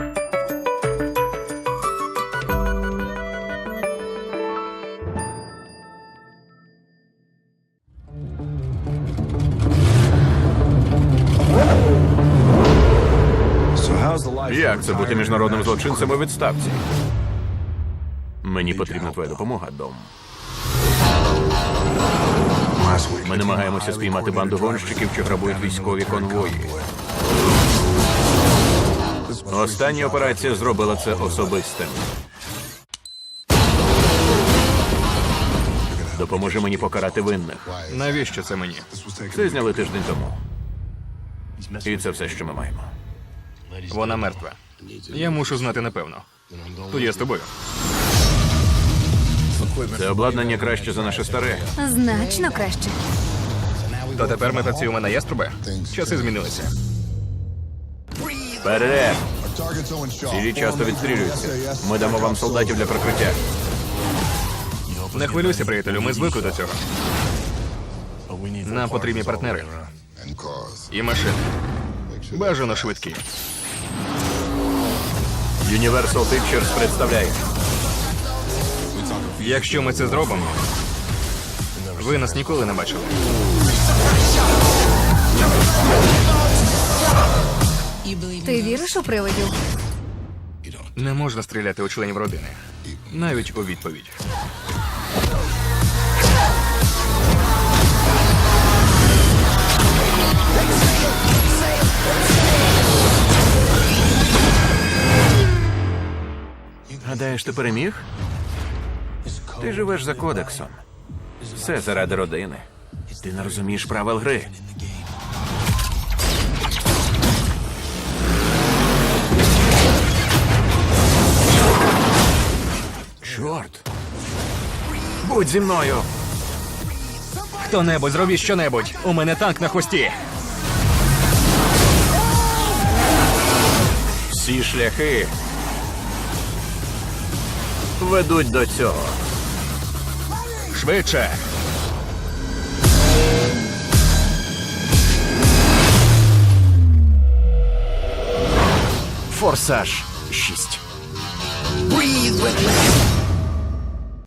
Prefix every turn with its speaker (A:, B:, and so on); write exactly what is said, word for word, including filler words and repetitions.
A: Як це бути міжнародним злочинцем у відставці? Мені потрібна твоя допомога, Дом. Ми намагаємося спіймати банду гонщиків, що грабують військові конвої. Остання операція зробила це особистим. Допоможи мені покарати винних.
B: Навіщо це мені?
A: Це зняли тиждень тому. І це все, що ми маємо.
B: Вона мертва. Я мушу знати напевно. Тоді я з тобою.
A: Це обладнання краще за наше старе.
C: Значно краще.
B: То тепер ми працюємо на яструби? Часи змінилися.
A: Вперед! Цілі часто відстрілюються. Ми дамо вам солдатів для прикриття.
B: Не хвилюйся, приятелю, ми звикли до цього. Нам потрібні партнери. І машини. Бажано швидкі.
A: Universal Pictures представляє.
B: Якщо ми це зробимо, ви нас ніколи не бачили.
C: Ти віриш у привидів?
B: Не можна стріляти у членів родини. Навіть у відповідь.
A: Гадаєш, ти переміг? Ти живеш за кодексом. Все заради родини. Ти не розумієш правил гри. Чорт! Будь зі мною!
B: Хто-небудь, зробіть що-небудь! У мене танк на хвості!
A: Всі шляхи ведуть до цього.
B: Швидше!
A: Форсаж шість.
D: Breathe with me.